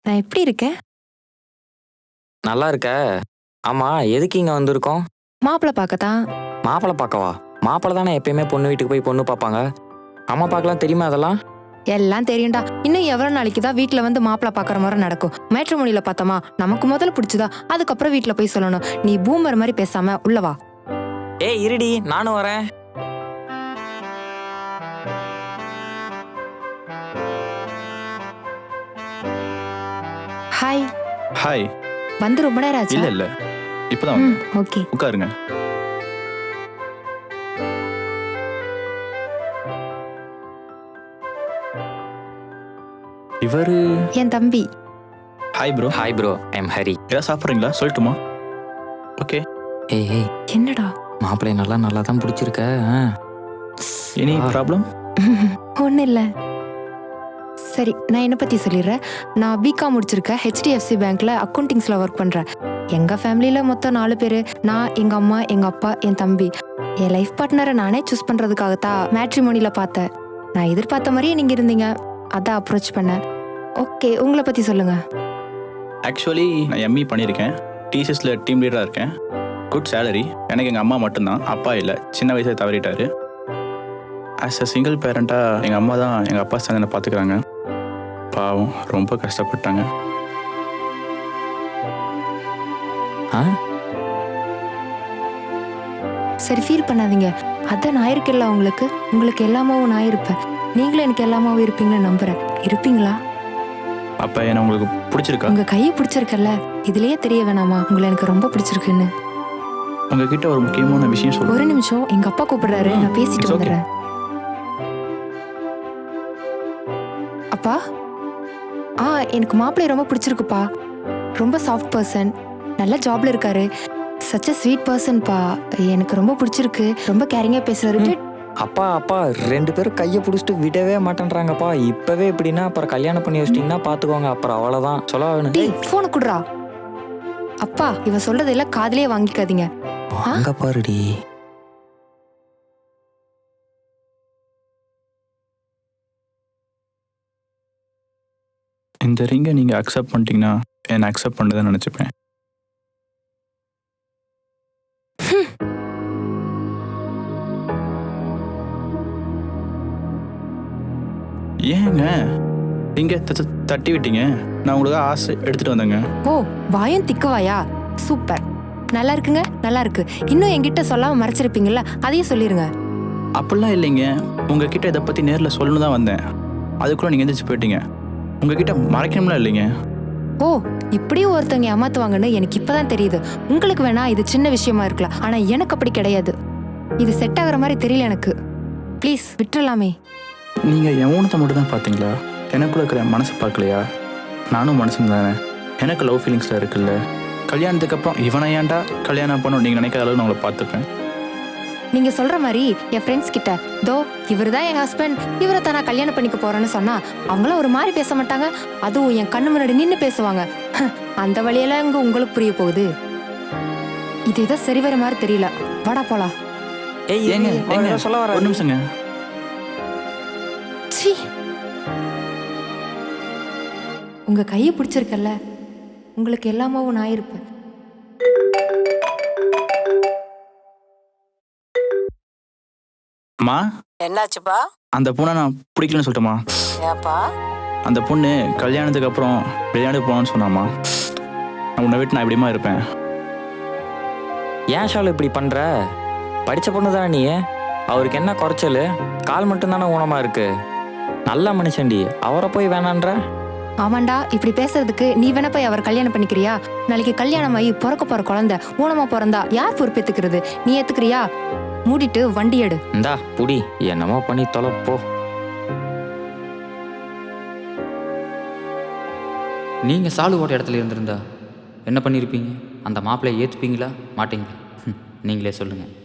நான் எப்படி இருக்கேன்? நல்லா இருக்க. ஆமா, எதுக்கு இங்க வந்திருக்கோம்? மாப்பிள்ளை பார்க்கத்தான். மாப்பிள்ளை பார்க்கவா? மாப்பிள்ளை தானே எப்பயுமே பொண்ணு வீட்டுக்கு போய் பொண்ணு பார்ப்பாங்க. அம்மா பார்க்கலாம் தெரியுமா அதெல்லாம்? எல்லாம் தெரியும்டா. இன்னும் எவ்வளவு நாளைக்கு தான் வீட்டுல வந்து மாப்பிள்ளை பார்க்குற முறை நடக்கும்? மேட்ரிமோனியில பார்த்தோமா, நமக்கு முதல்ல பிடிச்சதா, அதுக்கப்புறம் வீட்டுல போய் சொல்லணும். நீ பூமர் மாதிரி பேசாம உள்ள வா. ஏய் இருடி, நானும் வரேன். ஹாய். ஹாய். வந்து ரொம்ப நேரம் ஆச்சு. இல்ல இல்ல, இப்பதான் வந்தேன். ஓகே, உட்காருங்க. இவரு என் தம்பி. Hi bro. Hi bro, I'm Hari. ஏதாவது சாப்பிட்றீங்களா? சொல்லட்டுமா? ஓகே. ஏய் என்னடா? மாப்பிள்ளை நல்லா தான் பிடிச்சிருக்க. Any problem? ஒன்றும் இல்லை. சரி, நான் என்னை பற்றி சொல்லிடுறேன். நான் பிகாம் முடிச்சிருக்கேன். ஹெச்டிஎஃப்சி பேங்க்ல அக்கௌண்டிங்ஸில் ஒர்க் பண்ணுறேன். எங்கள் ஃபேமிலியில் மொத்தம் 4 பேர். நான், எங்கள் அம்மா, எங்கள் அப்பா, என் தம்பி. என் லைஃப் பார்ட்னரை நானே சூஸ் பண்ணுறதுக்காகத்தான் மேட்ரிமோனியில் பார்த்தேன். நான் எதிர்பார்த்த மாதிரியே நீங்கள் இருந்தீங்க, அதான் அப்ரோச் பண்ணேன். ஓகே, உங்களை பற்றி சொல்லுங்கள். ஆக்சுவலி நான் எம்இ பண்ணியிருக்கேன். டிசிஎஸில் டீம் லீடராக இருக்கேன். Good salary. எனக்கு எங்கள் அம்மா மட்டும்தான், அப்பா இல்லை, சின்ன வயசில் தவறிட்டாரு. ஆஸ் அ சிங்கிள் பேரண்ட்டாக எங்கள் அம்மா தான் எங்கள் அப்பா சேர்ந்து பார்த்துக்கிறாங்க. பாவம், ரொம்ப கஷ்டப்பட்டாங்க. சரி, ஃபீல் பண்ணாதீங்க. அதான் நான் இருக்கேன்ல உங்களுக்கு. உங்களுக்கு எல்லாமாவும் நான் இருப்பேன். நீங்களும் எனக்கு எல்லாமாவும் இருப்பீங்கன்னு நம்புறேன். இருப்பீங்களா? அப்போ என்ன உங்களுக்கு பிடிச்சிருக்கா? உங்க கையை பிடிச்சிருக்கல, இதுலயே தெரிய வேணாமா உங்களை எனக்கு ரொம்ப பிடிச்சிருக்குன்னு? உங்ககிட்ட ஒரு முக்கியமான விஷயம் சொல்லுங்க. ஒரு நிமிஷம், எங்க அப்பா கூப்பிடுறாரு, நான் பேசிட்டு It's okay. வந்துடுறேன். அப்பா, எனக்கு மாப்பிள்ளை ரொம்ப பிடிச்சிருக்குப்பா. ரொம்ப சாஃப்ட் பர்சன், நல்ல ஜாப்ல இருக்காரு. சச் அ ஸ்வீட் பர்சன்ப்பா. எனக்கு ரொம்ப பிடிச்சிருக்கு. ரொம்ப கேரிங்கா பேசுறாரு. அப்பா 2 பேரும் கையை பிடிச்சிட்டு விடவே மாட்டேன்றாங்கப்பா. இப்பவே எப்படின்னா அப்புறம் கல்யாணம் பண்ணி வச்சிட்டிங்கன்னா பார்த்துக்கோங்க, அப்புறம் அவ்வளோதான். சொல்ல வேணும். டேய், போனை குடுறா. அப்பா, இவ சொல்றதெல்லாம் காதுலயே வாங்கிக்காதீங்க. அங்க பாருடி. இந்த ரிங்கை நீங்கள் அக்செப்ட் பண்ணிட்டீங்கன்னா என்னை அக்செப்ட் பண்ணதான் நினச்சிப்பேன். ஏங்க நீங்க தட்டி விட்டீங்க? நான் உங்களுக்கு ஆசை எடுத்துட்டு வந்தேங்க. ஓ, வாயும் திக்குவாயா? சூப்பர், நல்லா இருக்குங்க, நல்லா இருக்கு. இன்னும் என்கிட்ட சொல்லாம மறைச்சிருப்பீங்கல்ல, அதையும் சொல்லிருங்க. அப்படிலாம் இல்லைங்க, உங்ககிட்ட இதை பற்றி நேரில் சொல்லணும் தான் வந்தேன். அதுக்குள்ளே நீங்கள் எந்திரிச்சு போயிட்டீங்க. உங்ககிட்ட மறைக்கணும்லாம் இல்லைங்க. ஓ, இப்படியும் ஒருத்தவங்க ஏமாத்துவாங்கன்னு எனக்கு இப்பதான் தெரியுது. உங்களுக்கு வேணா இது சின்ன விஷயமா இருக்கலாம், ஆனா எனக்கு அப்படி கிடையாது. இது செட் ஆகுற மாதிரி தெரியல எனக்கு. ப்ளீஸ் விட்டுறலாமே. நீங்கள் என் ஊனத்தை மட்டும் தான் பார்த்தீங்களா? எனக்குள்ள இருக்கிற மனசை பார்க்கலையா? நானும் மனுஷன் தானே. எனக்கு லவ் ஃபீலிங்ஸில் இருக்குல்ல. கல்யாணத்துக்கு அப்புறம் இவனை ஏன்டா கல்யாணம் பண்ணணும் நீங்கள் நினைக்காத அளவு நான் உங்களை பார்த்துப்பேன். நீங்க சொல்ற மாதிரி என் ஃப்ரெண்ட்ஸ் கிட்ட, தோ இவர் தான் என் ஹஸ்பண்ட், இவரை தான் நான் கல்யாணம் பண்ணிக்க போறேன்னு சொன்னா அவங்களாம் ஒரு மாதிரி பேச மாட்டாங்க. அதுவும் என் கண்ணு முன்னாடி நின்று பேசுவாங்க. அந்த வழியெல்லாம் இங்க உங்களுக்கு புரிய போகுது. இது ஏதோ சரி வர மாதிரி தெரியல. வாடா போலாம். ஏய் ஏங்க சொல்ல வர. ஒரு நிமிஷங்க. சீ, உங்க கையை பிடிச்சிருக்கல, உங்களுக்கு எல்லாமாவும் நான் இருப்பேன். அம்மா, என்னாச்சுப்பா? அந்த பொண்ணை நான் பிடிக்கலன்னு சொல்லிட்டேம்மா. ஏப்பா? அந்த பொண்ணு கல்யாணத்துக்கு அப்புறம் விளையாண்டு போகணும்னு சொன்னாம்மா. நான் உன்னை விட்டு நான் எப்படிமா இருப்பேன்? ஏன் ஷாலு இப்படி பண்ற? படிச்ச பொண்ணு தானே நீ. அவருக்கு என்ன குறைச்சல்? கால் மட்டும்தானே ஊனமா இருக்கு. நல்ல மனுஷன்டி, அவரை போய் வேணான்ற. ஆமாண்டா, இப்படி பேசுறதுக்கு நீ வேணா போய் அவர் கல்யாணம் பண்ணிக்கிறியா? நாளைக்கு கல்யாணம் ஆகி பிறக்க போற குழந்தை ஊனமா பிறந்தா யார் பொறுப்பேத்துக்கிறது? நீ ஏத்துக்கிறியா? மூடிட்டு வண்டி எடு. இந்தா புடி, என்னமோ பண்ணி தொலைப்போ. நீங்கள் சாலு ஓட்ட இடத்துல இருந்திருந்தா என்ன பண்ணியிருப்பீங்க? அந்த மாப்பிள்ளையை ஏற்றுப்பீங்களா மாட்டீங்களா? நீங்களே சொல்லுங்கள்.